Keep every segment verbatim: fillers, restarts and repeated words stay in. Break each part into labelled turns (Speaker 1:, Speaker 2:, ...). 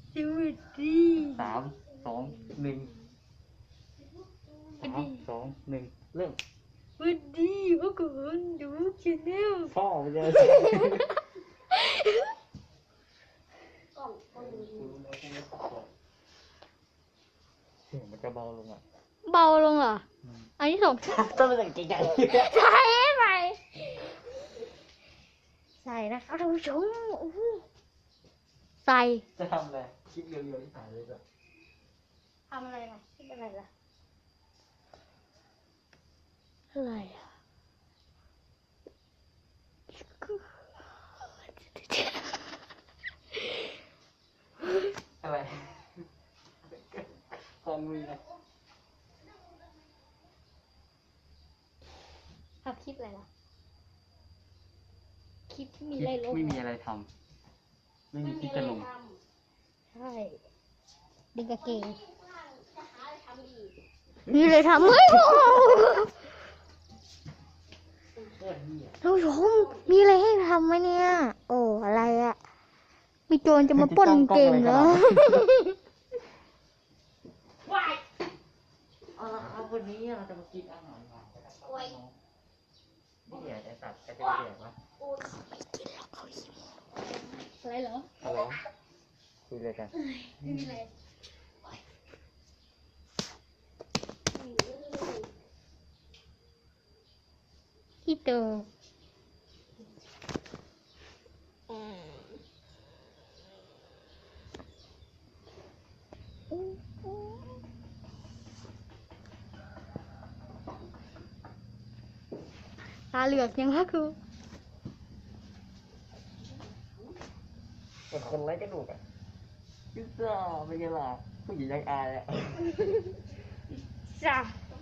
Speaker 1: สวัสดี
Speaker 2: สามสองหนึ่งสามสองหนึ่งเริ่ม
Speaker 1: สวัสดีพวกคุณดูชแนล
Speaker 2: พ่อไปเลยเสียงมันจะเบาลงอ่ะ
Speaker 1: เบาลงเหรออันที่สอง
Speaker 2: ต้องเป็นเก่งใหญ่
Speaker 1: ใส่ใส่ใส่นะครับท่านผู้ชมใส่
Speaker 2: จะทำอะไรคลิปเรียวๆที่ถ่ายเลยจ้ะ
Speaker 1: ทำอะไรล่ะคิดอะไรล่ะอะไรอ่ะ
Speaker 2: อะไรฟองมือนะ
Speaker 1: ทำคลิปอะไรล่ะคลิปที่มีอะไรลง
Speaker 2: ไม่มีอะไรทำไม่มีคลิปจะลง
Speaker 1: ใช่ดึงกางเกงมีอะไรทำเฮ้ยท่านผู้ชมมีอะไรให้ทำไหมเนี่ยโอ้อะไรอะมีโจรจะมาปล้นเกมเหรอ
Speaker 2: ว้ายเอาละครับวันนี้เราจะมากินอาหารหวานนะครับนี่เดี๋ยวจะตัดจะเป็นเดี๋ยววะ
Speaker 1: เขาไม่กินหรอกเขาหิวอะไรเหรอ
Speaker 2: อะไรคุยเลยกัน
Speaker 1: ไม่มีอะไรที่เตอตาเหลือกยังวะครู
Speaker 2: เป็นคนไร้กระดูกอ่ะพิซซ่าเป็นไงล่ะผู้หญิงยังอายอ่ะ
Speaker 1: จ้า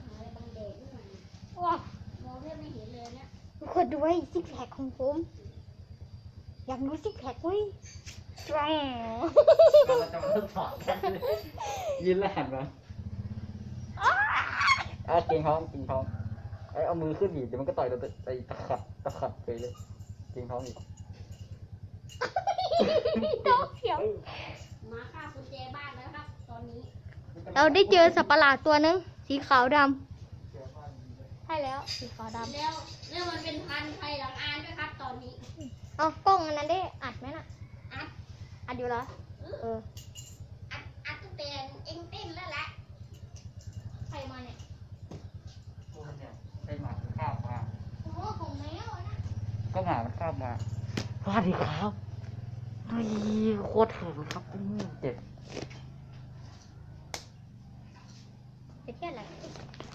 Speaker 1: ว้าวทุกคนดูไว้ซิกแพคของผมอยากดูซิกแพคเว้ยสตรอง
Speaker 2: เราจะมาทดสอบกันยืนแล้วหันมาอ่ะเก่งท้องเก่งท้องไอ้เอามือขึ้นดิเดี๋ยวมันก็ต่อยเราไปตะขัดตะขัดไปเลยเก่งท้องอีก
Speaker 1: ดอกเขียว
Speaker 3: มาฆ่ากุญแจบ้านแล้วครับตอนนี้
Speaker 1: เราได้เจอสัตว์ประหลาดตัวนึงสีขาวดำใช่แล้วสีขาวดำ
Speaker 3: แล้วแล้วมันเป็นพันธุ์ไทยหลังอานด้วยครับตอนนี้
Speaker 1: เอากล้องอันนั้นได้อัดไหมน่ะ
Speaker 3: อัด
Speaker 1: อัดอยู่เหรอเออ
Speaker 3: อัดอัดตั้งแต่เอ็งเต้นแล้วแหละใครมาเนี่ย
Speaker 2: ตัวเนี่ยไอหมามันข้ามมา
Speaker 3: โอ้โหของแมวนะ
Speaker 2: ก็หมามันข้ามมาสวัสดีครับเฮ้ยโคตรถึงครับเจ็บ
Speaker 1: ไปเที่ยวอะไร